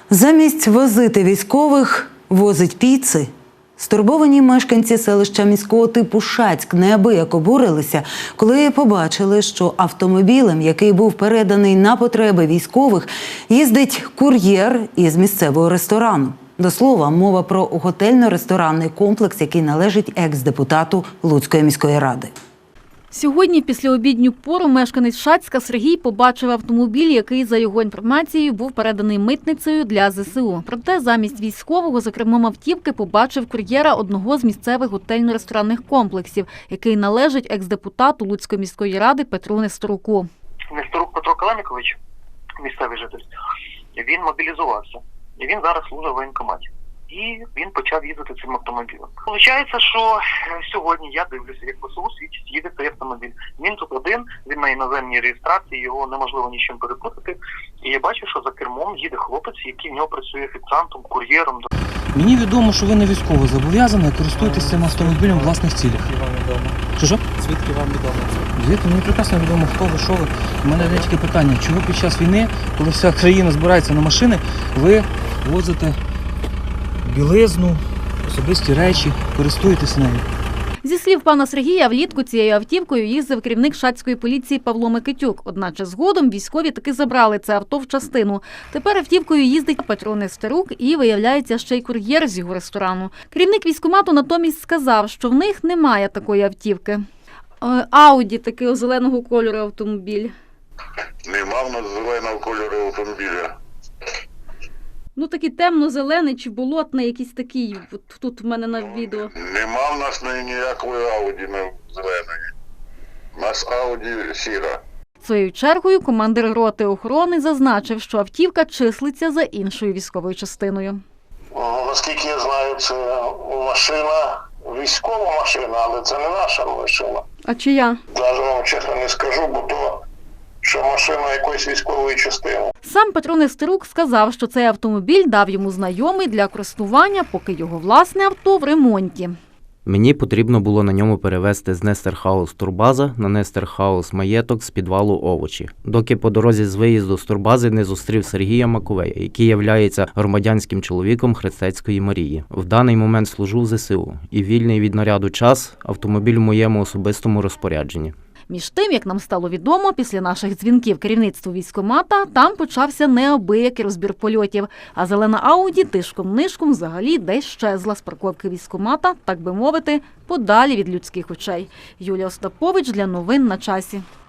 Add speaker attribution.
Speaker 1: Замість возити військових возить піци. Стурбовані мешканці селища міського типу Шацьк неабияк обурилися, коли побачили, що автомобілем, який був переданий на потреби військових, їздить кур'єр із місцевого ресторану. До слова, мова про готельно-ресторанний комплекс, який належить екс-депутату Луцької міської ради.
Speaker 2: Сьогодні, після обідню пору, мешканець Шацька Сергій побачив автомобіль, який, за його інформацією, був переданий митницею для ЗСУ. Проте замість військового за кермом автівки побачив кур'єра одного з місцевих готельно-ресторанних комплексів, який належить екс-депутату Луцької міської ради Петру Несторуку.
Speaker 3: Несторук Петро Калемікович, місцевий житель, він мобілізувався. І він зараз служить в воєнкоматі. І він почав їздити цим автомобілем. Получається, що сьогодні я дивлюся, як ВСУ свідчить, їде цей автомобіль. Він тут один, він на іноземній реєстрації, його неможливо нічим перепутати. І я бачу, що за кермом їде хлопець, який в нього працює офіціантом, кур'єром.
Speaker 4: Мені відомо, що ви не військово зобов'язані, користуєтесь цим автомобілем в власних цілях. Що?
Speaker 5: Звідки вам відомо це?
Speaker 4: Звідки? Мені прекрасно відомо, хто ви, що ви. У мене є таке питання, чого під час війни, коли вся країна збирається на машини, ви возите білизну, особисті речі, користуєтесь нею?
Speaker 2: Зі слів пана Сергія, влітку цією автівкою їздив керівник шацької поліції Павло Микитюк. Одначе згодом військові таки забрали це авто в частину. Тепер автівкою їздить Петро Несторук і, виявляється, ще й кур'єр з його ресторану. Керівник військкомату натомість сказав, що в них немає такої автівки. Ауді такого зеленого кольору автомобіль.
Speaker 6: Нема в нас зеленого кольору автомобіля.
Speaker 2: Ну, такий темно-зелений чи болотний, якийсь такий, от тут в мене на відео.
Speaker 6: Нема в нас ніякої Ауді зеленої. У нас Ауді сіра.
Speaker 2: Своєю чергою командир роти охорони зазначив, що автівка числиться за іншою військовою частиною.
Speaker 6: Наскільки я знаю, це машина, військова машина, але це не наша машина.
Speaker 2: А чия?
Speaker 6: Навіть вам чесно не скажу, бо то, що машина якоїсь військової частини.
Speaker 2: Сам Петро Несторук сказав, що цей автомобіль дав йому знайомий для користування, поки його власне авто в ремонті.
Speaker 7: Мені потрібно було на ньому перевезти з Нестерхаус Турбаза на Нестерхаус Маєток з підвалу овочі, доки по дорозі з виїзду з Турбази не зустрів Сергія Маковея, який являється громадянським чоловіком Хрестецької Марії. В даний момент служу в ЗСУ і вільний від наряду час автомобіль в моєму особистому розпорядженні.
Speaker 2: Між тим, як нам стало відомо, після наших дзвінків керівництву військкомата, там почався неабиякий розбір польотів. А зелена Ауді тишком-нишком взагалі десь щезла з парковки військкомата, так би мовити, подалі від людських очей. Юлія Остапович для новин на часі.